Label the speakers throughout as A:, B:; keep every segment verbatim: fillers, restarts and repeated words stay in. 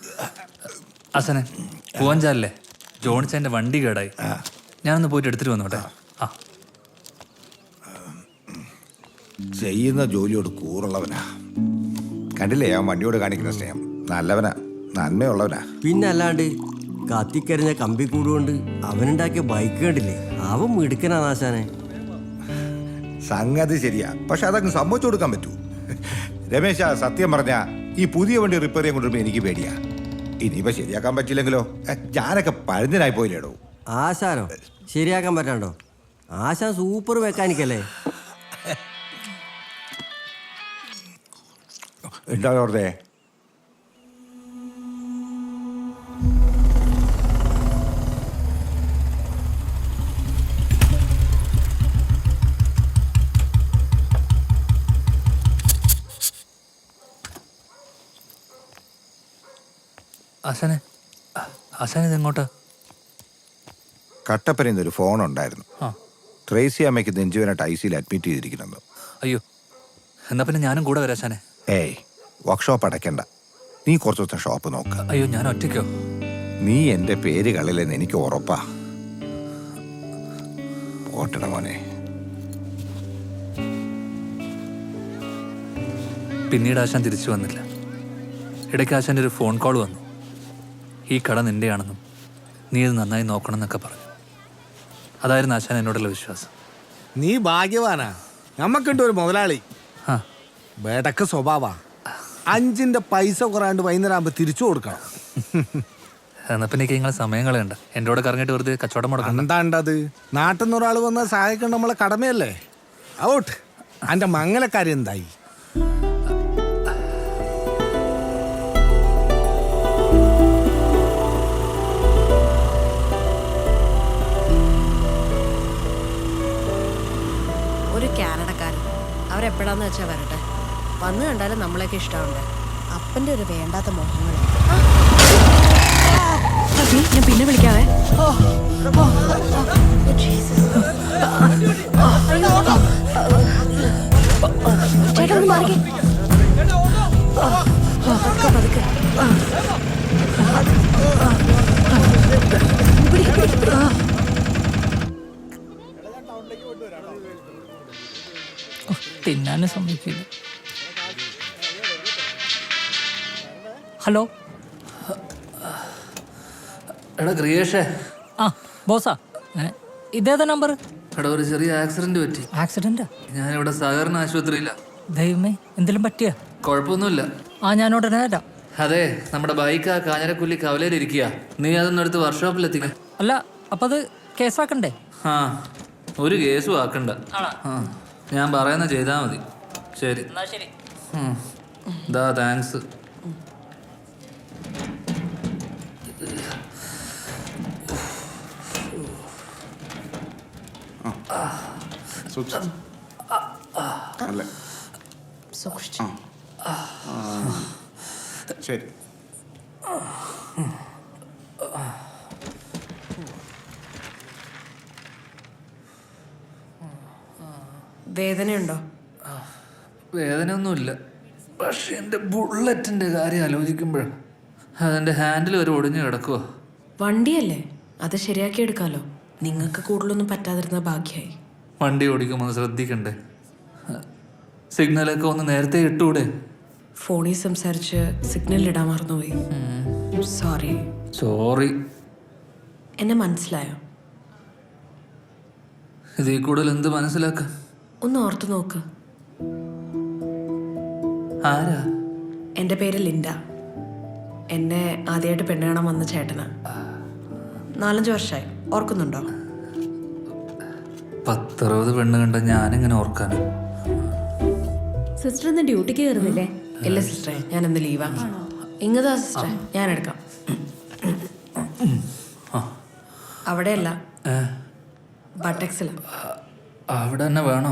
A: അസനെ പൂവഞ്ചാലല്ലേ ജോണിച്ചൻ്റെ വണ്ടി കേടായി. ഞാനൊന്ന് പോയിട്ട് എടുത്തിട്ട് വന്നോട്ടെ. ആ
B: ചെയ്യുന്ന ജോലിയോട് കൂറുള്ളവനാ. കണ്ടില്ലേ ആ വണ്ടിയോട് കാണിക്കുന്ന സ്നേഹം? നല്ലവനാ, നന്മയുള്ളവനാ.
C: പിന്നെ അല്ലാണ്ട് കത്തിക്കരിഞ്ഞ കമ്പി കൂടുകൊണ്ട് അവനുണ്ടാക്കിയ ബൈക്ക് കണ്ടില്ലേ? അവൻ മിടുക്കനാ നാശാനെ.
B: സംഗതി ശരിയാ, പക്ഷെ അതങ്ങ് സമ്മതിച്ചു കൊടുക്കാൻ പറ്റൂ. രമേശ, സത്യം പറഞ്ഞ ഈ പുതിയ വണ്ടി റിപ്പയർ ചെയ്യാൻ കൊണ്ടുവരുമ്പോ എനിക്ക് പേടിയാ. ഇനിയിപ്പോ ശരിയാക്കാൻ പറ്റില്ലെങ്കിലോ? ഞാനൊക്കെ പഴഞ്ഞനായി പോയില്ലേടോ.
C: ആശാനോ ശരിയാക്കാൻ പറ്റാണ്ടോ? ആശാൻ സൂപ്പർ മെക്കാനിക്കല്ലേ.
B: എന്താ വെറുതെ
A: അസനെ അസന ഇതെങ്ങോട്ടാ?
B: കട്ടപ്പനയിൽ ഒരു ഫോൺ ഉണ്ടായിരുന്നു.
A: ആ
B: ട്രേസി അമ്മയ്ക്ക് നെഞ്ചുവേനായിട്ട് ഐ സിയിൽ അഡ്മിറ്റ് ചെയ്തിരിക്കുന്നു.
A: അയ്യോ, എന്നാ പിന്നെ ഞാനും കൂടെ വരാം അസനെ.
B: ഏയ്, വർക്ക്ഷോപ്പ് അടയ്ക്കണ്ട. നീ കുറച്ച് ദിവസം ഷോപ്പ് നോക്ക.
A: അയ്യോ, ഞാൻ ഒറ്റയ്ക്കോ?
B: നീ എൻ്റെ പേര് കളില്ലെന്ന് എനിക്ക് ഉറപ്പാ. ഓട്ടട മോനെ.
A: പിന്നീട് ആശാൻ തിരിച്ചു വന്നില്ല. ഇടയ്ക്ക് ആശാൻ്റെ ഒരു ഫോൺ കോൾ വന്നു. ഈ കട നിൻ്റെയാണെന്നും നീ ഇത് നന്നായി നോക്കണം എന്നൊക്കെ പറഞ്ഞു. അതായിരുന്നു ആശാൻ എന്നോടുള്ള വിശ്വാസം.
D: നീ ഭാഗ്യവാനാ. നമ്മക്കുണ്ട് ഒരു മുതലാളി,
A: ആ
D: വേടക്ക് സ്വഭാവ. അഞ്ചിന്റെ പൈസ കുറയാണ്ട് വൈകുന്നേരം ആകുമ്പോ തിരിച്ചു കൊടുക്കണം.
A: എന്നാ പിന്നെ നിങ്ങളെ സമയം കളയണ്ട. എൻ്റെ കൂടെ കറങ്ങിയിട്ട് വെറുതെ കച്ചവടം മുടക്കണം.
D: എന്താണ്ടത്? നാട്ടിൽ നിന്ന് ഒരാൾ വന്ന് സഹായിക്കേണ്ട നമ്മളെ കടമയല്ലേ. ഔട്ട്. അന്റെ മംഗലക്കാരി എന്തായി?
E: ഒരു കാനഡക്കാരൻ അവരെപ്പോഴാന്ന് വെച്ചാൽ വരട്ടെ. വന്നു കണ്ടാലും നമ്മളൊക്കെ ഇഷ്ടമുണ്ട്. അപ്പൻ്റെ ഒരു വേണ്ടാത്ത മോഹങ്ങൾ. ഞാൻ പിന്നെ വിളിക്കാവേ. ചേട്ടാ ഒന്ന് മാറിക്കേ. പതുക്കെ പതുക്കെ.
F: തിന്നാനും സമ്മതിക്കില്ല. ഹലോ,
A: എടാ ക്രിയേഷേ.
F: ആ ബോസാ, ഇതേതാ നമ്പർ?
A: എടാ ഒരു ചെറിയ ആക്സിഡന്റ് പറ്റി.
F: ആക്സിഡന്റാ?
A: ഞാനിവിടെ സഹകരണ ആശുപത്രിയില്ല.
F: ദൈവമേ, എന്തെങ്കിലും പറ്റിയ?
A: കുഴപ്പമൊന്നുമില്ല.
F: ആ ഞാൻ ഉടനെ വരാം.
A: അതെ, നമ്മുടെ ബൈക്ക് ആ കാഞ്ഞിരക്കുല്ലി കവലയിലിരിക്കുക. നീ അതൊന്നും എടുത്ത് വർക്ക്ഷോപ്പിലെത്തിക്ക.
F: അല്ല, അപ്പം അത് കേസാക്കണ്ടേ?
A: ആ, ഒരു കേസും ആക്കണ്ട. ആ, ഞാൻ പറയുന്ന ചെയ്താൽ മതി. ശരി.
F: എന്നാ ശരി.
A: ദാ താങ്ക്സ്.
E: സൂക്ഷിച്ചു.
B: ശരി.
E: വേദനയുണ്ടോ?
A: വേദനയൊന്നുമില്ല. പക്ഷെ എൻ്റെ ബുള്ളറ്റിൻ്റെ കാര്യം ആലോചിക്കുമ്പോഴാണ് അതിൻ്റെ ഹാൻഡിൽ ഒരു ഒടിഞ്ഞു കിടക്കുക.
E: വണ്ടിയല്ലേ, അത് ശരിയാക്കി എടുക്കാലോ. നിങ്ങൾക്ക് കൂടുതലൊന്നും പറ്റാതിരുന്ന ഭാഗ്യമായി.
A: വണ്ടി ഓടിക്കുമ്പോൾ ശ്രദ്ധിക്കണ്ടേ? സിഗ്നലൊക്കെ ഒന്ന് നേരത്തെ ഇട്ടൂടെ?
E: ഫോണിൽ സംസാരിച്ച് സിഗ്നൽ ഇടാൻ മറന്നുപോയി. സോറി.
A: സോറി.
E: എന്നെ മനസ്സിലായോ?
A: ഇതിൽ കൂടുതൽ എന്ത് മനസ്സിലാക്കാൻ?
E: ഒന്ന് ഓർത്തു നോക്ക്.
A: ആരാ?
E: എൻ്റെ പേര് ലിൻഡ. എന്നെ ആദ്യമായിട്ട് പെണ്ണ് കാണാൻ വന്ന ചേട്ടനാ. നാലഞ്ച് വർഷമായി. ഓർക്കുന്നുണ്ടോ?
A: പത്തറുപത് പെണ്ണ് കണ്ട ഞാനിങ്ങനെ ഓർക്കാൻ.
G: സിസ്റ്റർ ഇന്ന് ഡ്യൂട്ടിക്ക് കയറുന്നില്ലേ?
E: ഇല്ല സിസ്റ്ററെ, ഞാൻ ഇന്ന് ലീവാ. ഇങ്ങതാ സിസ്റ്ററെ, ഞാൻ എടുക്കാം. അവിടെയല്ല, ബട്ടക്സില.
A: അവിടെ തന്നെ വേണോ?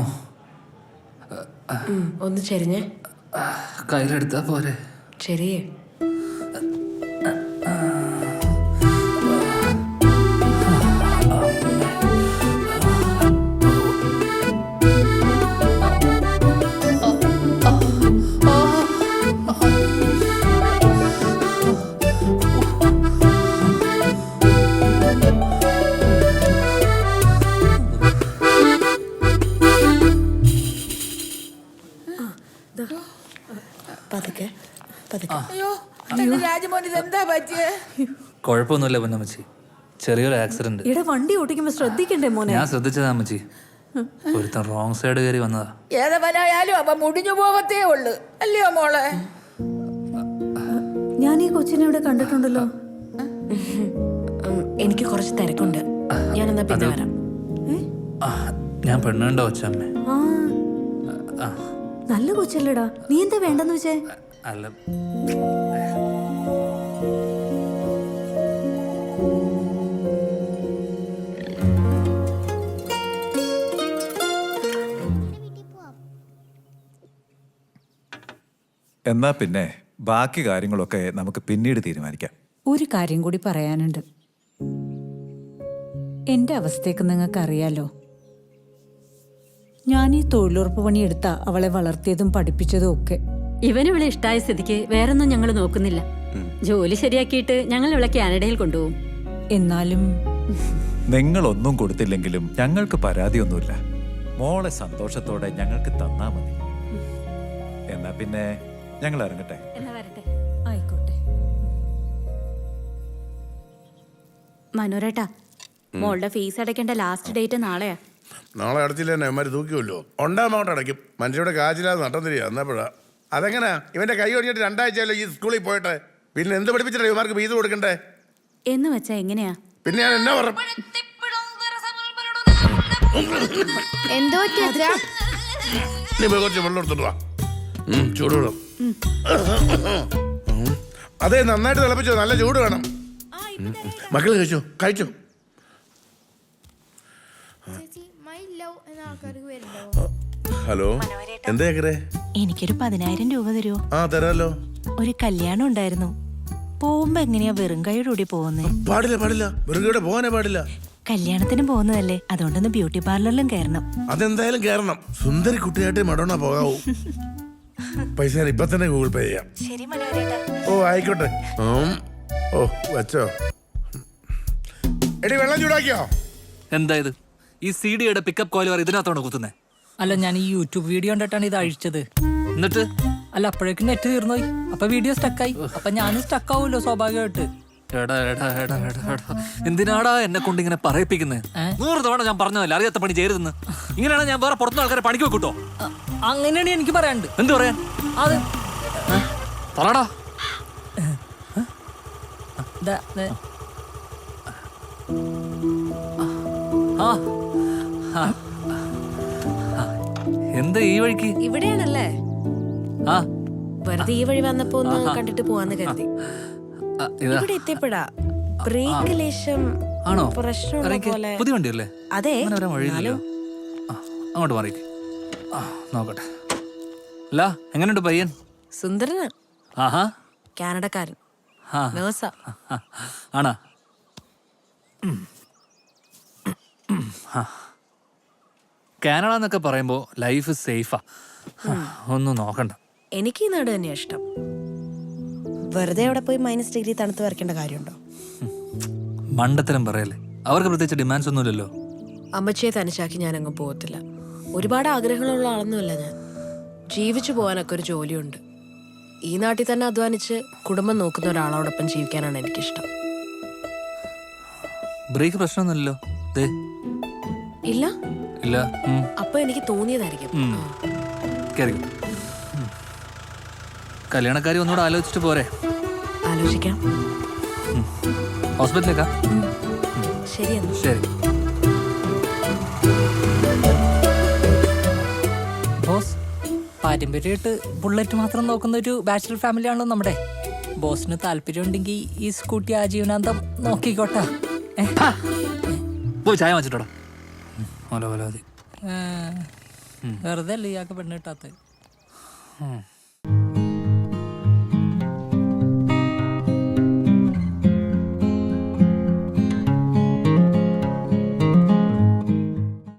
E: ഒന്ന് ചെരിഞ്ഞേ.
A: കയ്യിലെടുത്താ പോരെ?
E: ചെറിയേ.
G: രാജമോന് എന്താ പറ്റിയേ?
A: കുഴപ്പമൊന്നുമില്ല പൊന്നമ്മച്ചി, ചെറിയൊരു ആക്സിഡന്റ്.
H: ഇവിടെ വണ്ടി ഓടിക്കുമ്പോ ശ്രദ്ധിക്കണ്ടേ മോനെ?
A: ഞാൻ ശ്രദ്ധിച്ചതാ അമ്മച്ചി, ഒരുത്തൻ റോങ് സൈഡ് കയറി വന്നതാ.
G: ഏതവനായാലും അവ മുടിഞ്ഞു പോവത്തേ ഉള്ളു, അല്ലയോ മോളെ?
H: ഞാൻ ഈ കൊച്ചിനെ ഇവിടെ കണ്ടിട്ടുണ്ടല്ലോ.
E: ഉം, എനിക്ക് കുറച്ച് തിരക്കുണ്ട്, ഞാനെന്നാ പിന്നെ വരാം.
A: ആ, ഞാൻ പെണ്ണുണ്ടോ അച്ഛമ്മേ?
H: ആ നല്ല കൊച്ചല്ലേടാ, നീ എന്താ വേണ്ടെന്ന് വെച്ചേ?
A: അല്ല,
I: എന്നാ പിന്നെ ബാക്കി കാര്യങ്ങളൊക്കെ നമുക്ക് പിന്നീട് തീരുമാനിക്കാം.
J: ഒരു കാര്യം കൂടി പറയാനുണ്ട്. എൻ്റെ അവസ്ഥയൊക്കെ നിങ്ങൾക്ക് അറിയാലോ. ഞാൻ ഈ തൊഴിലുറപ്പ് പണിയെടുത്ത അവളെ വളർത്തിയതും പഠിപ്പിച്ചതും ഒക്കെ.
K: ഇവനിവളെ ഇഷ്ടായ സ്ഥിതിക്ക് വേറൊന്നും ഞങ്ങൾ നോക്കുന്നില്ല. ജോലി ശരിയാക്കിയിട്ട് ഞങ്ങൾ ഇവളെ കാനഡയിൽ കൊണ്ടുപോകും.
J: എന്നാലും
I: നിങ്ങളൊന്നും കൊടുത്തില്ലെങ്കിലും ഞങ്ങൾക്ക് പരാതിയൊന്നുമില്ല. മോളെ സന്തോഷത്തോടെ ഞങ്ങൾക്ക് തന്നാ മതി. എന്നാ പിന്നെ ഞങ്ങൾ ഇറങ്ങട്ടെ.
K: എന്നാ വരട്ടെ.
J: ആയിക്കോട്ടെ.
K: മനോരേട്ടാ, മോളുടെ ഫീസ് അടയ്ക്കേണ്ട ലാസ്റ്റ് ഡേറ്റ് നാളെയാ.
L: നാളെ അടച്ചില്ല തന്നെ അവന്മാർ തൂക്കിയല്ലോ. ഒണ്ടാമോട്ട് അടയ്ക്കും. മനുഷ്യരുടെ കാശില്ലാതെ നട്ടം തിരിയാ. എന്നപ്പോഴാ അതെങ്ങനാ? ഇവന്റെ കൈ ഒടിഞ്ഞിട്ട് രണ്ടാഴ്ചയല്ലോ ഈ സ്കൂളിൽ പോയിട്ട്. പിന്നെ എന്ത് പഠിപ്പിച്ചിട്ടാ ഇവന്മാർക്ക് ഫീസ് കൊടുക്കണ്ടേ?
K: എന്ന് വെച്ചാ എങ്ങനെയാ?
L: പിന്നെ ഞാൻ എന്നാ പറഞ്ഞു?
K: എന്തോ
L: നീ പോയി കുറച്ച് വെള്ളം എടുത്തിട്ട് വാ. ചൂടുവെള്ളം. അതെ, നന്നായിട്ട് തിളപ്പിച്ചോ, നല്ല ചൂട് വേണം. മക്കള് കഴിച്ചോ കഴിച്ചോ. ഹലോ, എന്താ കേക്കറേ?
J: എനിക്കൊരു പതിനായിരം രൂപ തരുമോ?
L: ആ തരാലോ.
J: ഒരു കല്യാണം ഉണ്ടായിരുന്നു. പോകുമ്പോ എങ്ങനെയാ വെറും കൈയോടുകൂടി പോകുന്നേ?
L: പാടില്ല പാടില്ല, വെറുതെ പോകാനേ പാടില്ല.
J: കല്യാണത്തിന് പോകുന്നതല്ലേ, അതുകൊണ്ടൊന്ന് ബ്യൂട്ടി പാർലറിലും കയറണം.
L: അതെന്തായാലും കയറണം. സുന്ദരി കുട്ടിയായിട്ട് മടോണ പോകാവൂ. പൈസ ഞാൻ ഇപ്പൊ തന്നെ ഗൂഗിൾ പേ ചെയ്യാം.
J: ശരി മനോരേട്ടാ.
L: ഓ ആയിക്കോട്ടെ. ഓ വച്ചോ. എടി വെള്ളം ചൂടാക്കിയോ?
A: എന്താ ഇത്? ഈ സി ഡിയുടെ പിക്കപ്പ് കോയിൽ ഇതിനകത്തോണ്ട് കുത്തുന്നേ?
F: അല്ല, ഞാൻ ഈ യൂട്യൂബ് വീഡിയോ കണ്ടിട്ടാണ് ഇത് അഴിച്ചത്.
A: എന്നിട്ട്
F: അല്ല, അപ്പോഴേക്കും നെറ്റ് തീർന്നുപോയി. അപ്പൊ വീഡിയോ സ്റ്റക്കായി. അപ്പൊ ഞാനും സ്റ്റക്ക് ആവുമല്ലോ സ്വാഭാവികമായിട്ട്.
A: എടാ എടാ എടാ എടാ എടാ എന്തിനാടാ എന്നെ കൊണ്ട് ഇങ്ങനെ പറയിപ്പിക്കുന്നത്? നൂറ് തവണ ഞാൻ പറഞ്ഞതല്ലേ അറിയാത്ത പണി ചെയ്യരുതെന്ന്. ഇങ്ങനെയാണ് ഞാൻ വേറെ പുറത്തുനിന്ന് ആൾക്കാരെ പണിക്ക് വെക്കൂട്ടോ.
F: അങ്ങനെയാണ് എനിക്ക് പറയാനുണ്ട്.
A: എന്ത് പറയാൻ?
F: അത്
A: പറടാ.
F: ദാ- ദേ-
A: ആ ആ. ആ. എന്താ ഈ വഴിക്ക്?
E: ഇവിടെയാണല്ലേ?
A: ആ
E: വെറുതെ ഈ വഴി വന്നപ്പോ ഒന്ന് കണ്ടിട്ട് പോവാന്ന് കരുതി.
A: ആ, ഇതാ.
E: ഇവിടെ എത്തിയപ്പോഴാ ബ്രേക്ക് ലേശം
A: ആണോ?
E: പ്രശ്നമുള്ള
A: ഇറങ്ങിക്ക്.
E: പോലെ.
A: പുതിയ വണ്ടിയല്ലേ?
E: അതെ,
A: അങ്ങനെ വരാൻ വഴിയില്ലല്ലോ. ആ, അങ്ങോട്ട് മാറിക്ക്. ആ, നോക്കട്ടെ. അല്ല, എങ്ങനെയുണ്ട് പയ്യൻ?
E: സുന്ദരന്.
A: ആഹാ,
E: കാനഡക്കാരൻ.
A: ആ,
E: നേഴ്സാ.
A: ആണാ? കാനഡ എന്നൊക്കെ പറയുമ്പോ ലൈഫ് സേഫാ. ഒന്നും നോക്കണ്ട.
E: എനിക്ക് ഈ നാട് തന്നെയാ ഇഷ്ടം. വെറുതെ അവിടെ പോയി മൈനസ് ഡിഗ്രി തണുത്ത് വരയ്ക്കേണ്ട കാര്യമുണ്ടോ?
A: മണ്ടത്തരം പറയല്ലേ. അവർക്ക് പ്രത്യേകിച്ച് ഡിമാൻഡ്സ് ഒന്നുമില്ലല്ലോ.
E: അമ്മച്ചിയെ തനിച്ചാക്കി ഞാനങ്ങ് പോകത്തില്ല. ഒരുപാട് ആഗ്രഹങ്ങളുള്ള ആളൊന്നുമല്ല ഞാൻ. ജീവിച്ചു പോകാനൊക്കെ ഒരു ജോലിയുണ്ട്. ഈ നാട്ടിൽ തന്നെ അധ്വാനിച്ച് കുടുംബം നോക്കുന്ന ഒരാളോടൊപ്പം ജീവിക്കാനാണ് എനിക്കിഷ്ടം.
A: ബ്രേക്ക് പ്രശ്നമൊന്നുമില്ലല്ലോ? ദേ
E: ഇല്ല
A: ഇല്ല. ഉം.
E: അപ്പൊ എനിക്ക് തോന്നിയതായിരിക്കും.
A: ഉം. കേറിക്കോ. ഉം. കല്യാണക്കാരി ഒന്നുകൂടെ ആലോചിച്ചിട്ട് പോരെ?
E: ആലോചിക്കാം.
A: ഹോസ്പിറ്റലിലേക്കാ?
E: ശരിയെന്നാ.
A: ശരി.
F: ബോസ്, പാരമ്പര്യമായിട്ട് ബുള്ളറ്റ് മാത്രം നോക്കുന്ന ഒരു ബാച്ചിലർ ഫാമിലി ആണല്ലോ നമ്മുടെ. ബോസിന് താല്പര്യം ഉണ്ടെങ്കിൽ ഈ സ്കൂട്ടി ആജീവനാന്തം നോക്കിക്കോട്ടെ.
A: പോയി ചായ വാങ്ങിച്ചിട്ടോടാ. ഓല ഓല മതി.
F: വെറുതെ അല്ലേ ഇയാൾക്ക് പെണ്ണ് കിട്ടാത്ത.